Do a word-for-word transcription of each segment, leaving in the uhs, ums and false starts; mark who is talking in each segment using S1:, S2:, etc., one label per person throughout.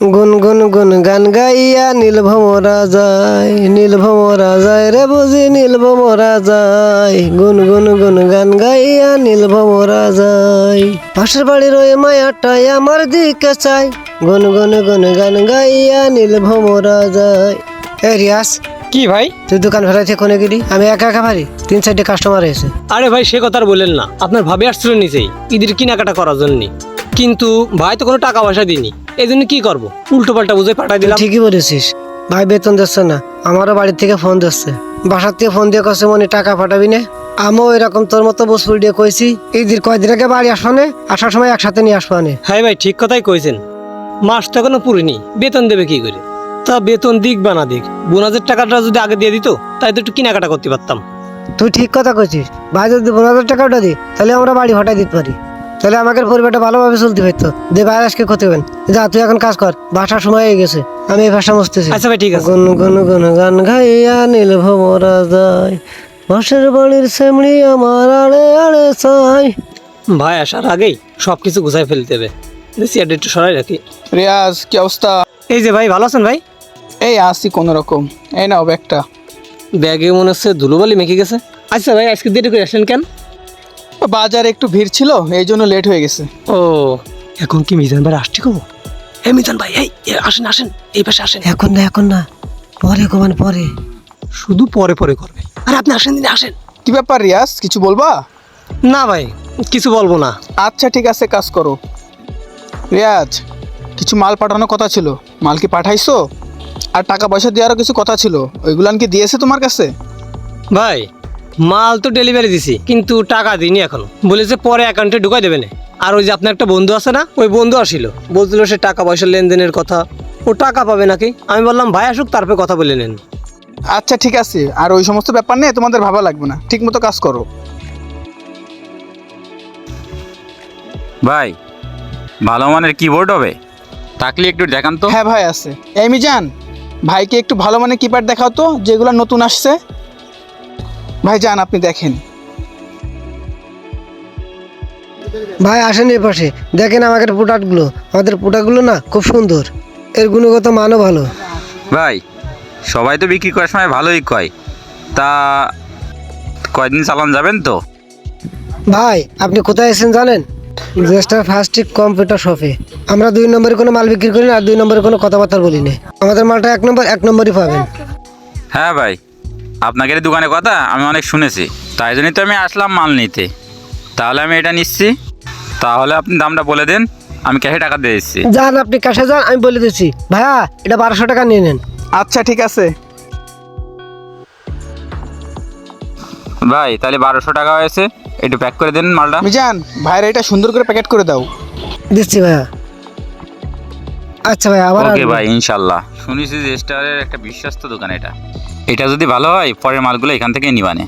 S1: গুন গুন গুন গান গাইয়া নীল ভমরা যায়, নীল ভমরা যায় রে বুঝি নীল ভমরা যায়, গুন গুন গুন গান গাইয়া নীল ভমরা যায়। পাশের বাড়ির ওই মায়াটাই আমার দিকে চাই, গুন গুন গুন গান গাইয়া নীল ভমরা যায়। এ রিয়াজ,
S2: কি ভাই?
S1: তুই দোকান ফেরাইতে কোনে গেলি? আমি একা একা পারি, তিন চারটে কাস্টমার এসে।
S2: আরে ভাই সে কথা আর বললেন না, আপনার ভাবি আসছিল নিচেই ঈদের কেনাকাটা করার জন্য, কিন্তু ভাই তো কোনো টাকা পয়সা দিইনি, এই জন্য কি করবো, উল্টো পাল্টা বুঝে পাঠাই দিলাম।
S1: ঠিকই বলেছিস, ভাই বেতন দিচ্ছে না, আমারও বাড়ির থেকে ফোন দিচ্ছে, বাসার থেকে ফোন দিয়ে কছে মনে টাকা পাঠাবি না। আমিও এরকম তোর মতো বসফুল দিয়ে কইছি ঈদের কয়দিন আগে বাড়ি আসবানে, আসার সময় একসাথে নিয়ে আসবানে।
S2: হ্যাঁ ভাই ঠিক কথাই কইছেন, মাস তো এখনো পুরিনি, বেতন দেবে কি করে? তা বেতন দিক বা না দিক, বোনাসের টাকাটা যদি আগে দিয়ে দিত তাই তো একটু কেনাকাটা করতে পারতাম।
S1: তুই ঠিক কথা কইছিস, ভাই যদি পনেরো হাজার টাকা ওটা দিই তাহলে আমরা বাড়ি হটাই দিতে পারি, তাহলে আমাদের পরিবারটা ভালোভাবে চলতে পারতো। দে ভাই আজকে ক্ষতি হবেন, যা তুই এখন কাজ কর, বাসার সময় হয়ে গেছে, আমি এই ভাষা মুছতেছি।
S2: আচ্ছা ভাই ঠিক আছে।
S1: গুন গুন গুন গান গাইয়া নীল ভমরা যায়, বাসের বাড়ির সেমড়ি আমার আড়ে আড়ে চাই।
S2: ভাই আসার আগেই সব কিছু গুছাই ফেলতে হবে, চেয়ারটা একটু সরাই রাখি।
S3: রিয়াজ, কি অবস্থা?
S2: এই যে ভাই, ভালো আছেন ভাই?
S3: এই আসি কোনো রকম। এই নাও ব্যাগটা।
S2: ব্যাগে মনে হচ্ছে ধুলোবালি মেখে গেছে। আচ্ছা ভাই আজকে দেরি করে আসেন কেন?
S3: বাজারে একটু ভিড় ছিল, এই জন্য লেট হয়ে গেছে।
S2: ও, এখন কি মিজান ভাই আসছি কব? হে মিজান ভাই, এই এ, আসেন আসেন, এই পাশে আসেন।
S1: এখন না এখন না, পরে কমান পরে।
S2: শুধু পরে পরে করবে, আর আপনি আসেন দিনে আসেন।
S3: কি ব্যাপার রিয়াজ, কিছু বলবা?
S2: না ভাই কিছু বলবো না।
S3: আচ্ছা ঠিক আছে, কাজ করো। রিয়াজ, কিছু মাল পাঠানোর কথা ছিল, মাল কি পাঠাইছো? আর টাকা পয়সা দেওয়ারও কিছু কথা ছিল, ওইগুলান কি দিয়েছে তোমার কাছে?
S2: ভাই মাল তো ডেলিভারি দিছি, কিন্তু টাকা দিইনি এখনো, বলেছে পরে অ্যাকাউন্টে ঢুকাই দেবে না। আর ওই যে আপনার একটা বন্ধু আছে না, ওই বন্ধু আসিল, বলছিল সে টাকা পয়সা লেনদেনের কথা, ও টাকা পাবে নাকি। আমি বললাম ভাই আসুক তারপরে কথা বলে নেন।
S3: আচ্ছা ঠিক আছে, আর ওই সমস্ত ব্যাপার নিয়ে তোমাদের ভাবা লাগবে না, ঠিক মতো কাজ করো।
S4: ভাই ভালো মানের কিবোর্ড হবে, থাকলে একটু দেখান তো।
S3: হ্যাঁ ভাই আছে। এই মিজান, ভাইকে একটু ভালো মানে কিপ্যাড দেখাও তো, যেগুলো নতুন আসছে। ভাই যান, আপনি দেখেন।
S1: ভাই আসেন এই পাশে, দেখেন আমাদের প্রোডাক্টগুলো, আমাদের প্রোডাক্টগুলো না খুব সুন্দর, এর গুণগত মানও ভালো।
S4: ভাই সবাই তো বিক্রি করার সময় ভালোই কয়, তা কয়দিন চালান যাবেন তো?
S1: ভাই আপনি কোথায় এসেছেন জানেন? জেস্টার ফার্স্টিক কম্পিউটার শপে। আমরা দুই নম্বরে কোনো মাল বিক্রি করি না, আর দুই নম্বরে কোনো কথাবার্তা বলি না, আমাদের মালটা এক নম্বর এক নম্বরই পাবেন।
S4: হ্যাঁ ভাই, আপনাদের দোকানের কথা আমি অনেক শুনেছি, তাই জন্যই তো আমি আসলাম মাল নিতে। তাহলে আমি এটা নিচ্ছি, তাহলে আপনি দামটা বলে দেন, আমি ক্যাশে টাকা দিয়ে দিচ্ছি।
S1: যান আপনি কাছে যান, আমি বলে দিচ্ছি। ভাইয়া এটা বারোশো টাকা নিয়ে নেন।
S3: আচ্ছা ঠিক আছে।
S4: ভাই তাহলে বারোশো টাকা হয়েছে, একটু প্যাক করে দেন মালটা।
S3: মিজান, ভাইরা এটা সুন্দর করে প্যাকেট করে দাও।
S1: দিচ্ছি ভাইয়া। আচ্ছা ভাই আবার
S4: ওকে
S1: আসবেন।
S4: ভাই ইনশাল্লাহ, শুনেছি যে স্টারের একটা বিশ্বস্ত দোকান এটা, এটা যদি ভালো হয় পরের মালগুলো এখান থেকে নিবানে।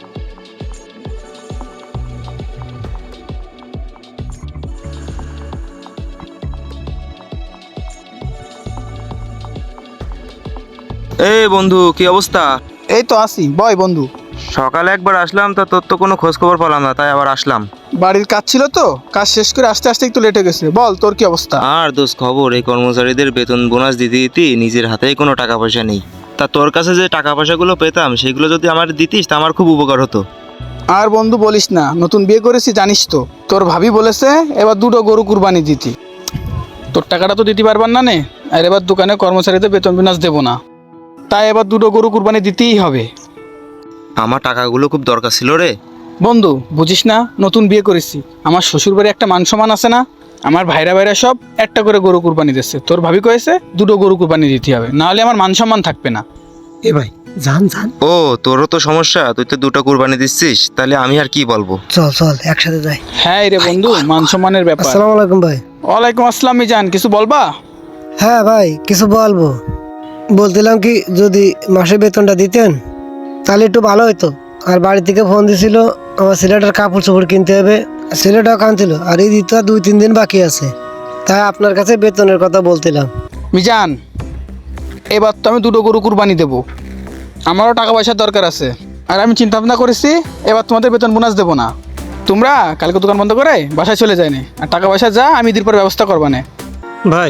S5: এই বন্ধু কি অবস্থা?
S3: এই তো আসি, বয় বন্ধু।
S5: সকালে একবার আসলাম, তা তোর তো কোনো খোঁজ খবর পেলাম না, তাই আবার আসলাম।
S3: বাড়ির কাজ ছিল তো, কাজ শেষ করে আস্তে আস্তে একটু লেট হয়ে গেছে। বল তোর কি অবস্থা?
S5: আর দোষ খবর, এই কর্মচারীদের বেতন বোনাস দিতে দিতে নিজের হাতেই কোনো টাকা পয়সা নেই। তা তোর কাছে যে টাকা পয়সাগুলো পেতাম সেগুলো যদি আমার দিতিস তা আমার খুব উপকার হতো।
S3: আর বন্ধু বলিস না, নতুন বিয়ে করেছি জানিস তো, তোর ভাবি বলেছে এবার দুটো গরু কুরবানি দিতি। তোর টাকাটা তো দিতে পারবার না নে, আর এবার দোকানে কর্মচারীদের বেতন বোনাস দেবো না, তাই এবার দুটো গরু কুরবানি দিতেই হবে।
S5: আমার টাকাগুলো খুব দরকার ছিল রে।
S3: বন্ধু বুঝিস না, নতুন বিয়ে করেছি, আমার শ্বশুর বাড়ি একটা মান সম্মান আছে না, আমার ভাইরা ভাইরা সব একটা করে গরু কুরবানি দিচ্ছে। তোর ভাবি কয়েছে দুটো গরু কুরবানি দিতে হবে, নাহলে আমার মান সম্মান থাকবে না।
S2: এ ভাই যান যান।
S5: ও তোরও তো সমস্যা, তুই তো দুটো কুরবানি দিচ্ছিস, তাহলে আমি আর কি বলবো।
S1: চল চল একসাথে যাই।
S3: হ্যাঁ রে বন্ধু, মান সম্মানের ব্যাপার।
S1: আসসালামু আলাইকুম ভাই।
S3: ওয়ালাইকুম আসসালাম। মিজান, কিছু বলবা?
S1: হ্যাঁ ভাই কিছু বলবো, বলছিলাম কি যদি মাসে বেতনটা দিতেন তাহলে একটু ভালো হতো। আর বাড়ি থেকে ফোন দিছিল আমার ছেলেটার কাপড় চোপড় কিনতে হবে, ছেলেটাও কাঁদছিল, আর এই দিতে দুই তিন দিন বাকি আছে, তাই আপনার কাছে বেতনের কথা বলছিলাম।
S3: মিজান, এবার তো আমি দুটো গরু কুরবানি দেবো, আমারও টাকা পয়সার দরকার আছে। আর আমি চিন্তা ভাবনা করেছি এবার তোমাদের বেতন বোনাস দেবো না, তোমরা কালকে দোকান বন্ধ করে বাসায় চলে যায়নি, আর টাকা পয়সা যা আমি ঈদের পর ব্যবস্থা করবা না।
S2: ভাই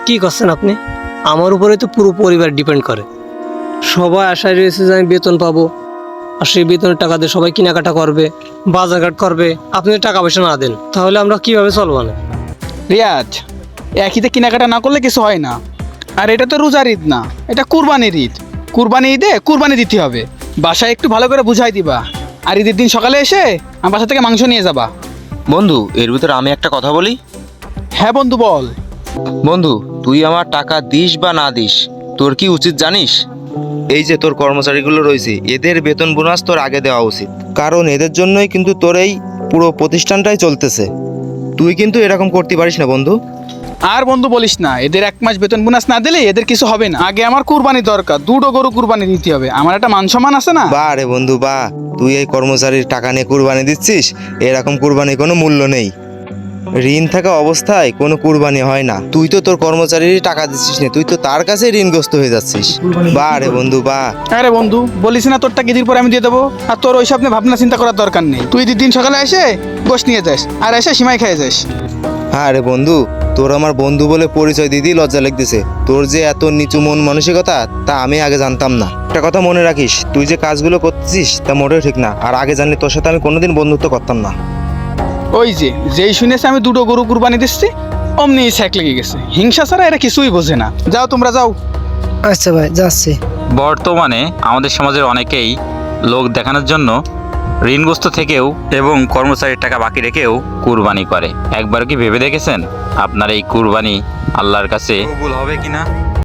S2: কি করছেন আপনি? আমার উপরে তো পুরো পরিবার ডিপেন্ড করে। সবাই আশায় রয়েছে যে আমি বেতন পাবো, আর সেই বেতনের টাকা দিয়ে সবাই কেনাকাটা করবে, বাজারঘাট করবে। আপনি যদি টাকা পয়সা না দেন তাহলে আমরা কিভাবে চলবো না?
S3: রিয়াজ, একইতে কেনাকাটা না করলে কিছু হয় না। আর এটা তো রোজার ঈদ না, এটা কুরবানির ঈদ। কুরবানি ঈদে কুরবানি দিতে হবে। বাসায় একটু ভালো করে বুঝাই দিবা, আর ঈদের দিন সকালে এসে আমার বাসা থেকে মাংস নিয়ে যাবা।
S5: বন্ধু এর ভিতরে আমি একটা কথা বলি।
S3: হ্যাঁ বন্ধু, বল।
S5: বন্ধু তুই আমার টাকা দিস বা না দিস, তোর কি উচিত জানিস? এই যে তোর কর্মচারীগুলো রয়েছে, এদের বেতন বোনাস তোর আগে দেওয়া উচিত, কারণ এদের জন্যই কিন্তু তোর এই পুরো প্রতিষ্ঠানটাই চলতেছে। তুই কিন্তু এরকম করতে পারিস না বন্ধু।
S3: আর বন্ধু বলিস না, এদের এক মাস বেতন বোনাস না দিলে এদের কিছু হবে না। আগে আমার কুরবানি দরকার, দুটো গরু কুরবানি দিতে হবে। আমার একটা মান সম্মান আছে না।
S5: বা রে বন্ধু বা, তুই এই কর্মচারীর টাকা নিয়ে কুরবানি দিচ্ছিস, এরকম কুরবানির কোনো মূল্য নেই। ঋণ থাকা অবস্থায় কোনো কুরবানি হয় না। তুই তো তোর কর্মচারীর টাকা দিচ্ছিস না, তুই তো তার কাছে ঋণগ্রস্ত হয়ে যাচ্ছিস। বা রে বন্ধু বা।
S3: আরে বন্ধু বলিস না, তোরটা ঈদের পরে আমি দিয়ে দেবো। আর তোর ওইসব নিয়ে ভাবনা চিন্তা করার দরকার নেই। তুই ঈদের দিন সকালে এসে গোশ নিয়ে যাস, আর এসে সীমায় খেয়ে যাস।
S5: হ্যাঁ রে বন্ধু, তোর আমার বন্ধু বলে পরিচয় দিতেই লজ্জা লাগতেছে। তোর যে এত নিচু মন মানসিকতা তা আমি আগে জানতাম না। একটা কথা মনে রাখিস, তুই যে কাজগুলো করতেছিস তা মোটেও ঠিক না। আর আগে জানলে তোর সাথে আমি কোনোদিন বন্ধুত্ব করতাম না।
S3: ওই যে যেই শুনেছে আমি দুটো গরু কুরবানি দিচ্ছি, অমনি ছ্যাক লেগে গেছে। হিংসা ছাড়া এরা কিছুই বোঝে না। যাও তোমরা যাও।
S1: আচ্ছা ভাই, যাচ্ছি।
S4: বর্তমানে আমাদের সমাজের অনেকেই লোক দেখানোর জন্য ঋণগ্রস্ত থেকেও এবং কর্মচারীর টাকা বাকি রেখেও কুরবানি করে। একবার কি ভেবে দেখেছেন আপনার এই কুরবানি আল্লাহর কাছে কবুল হবে কিনা?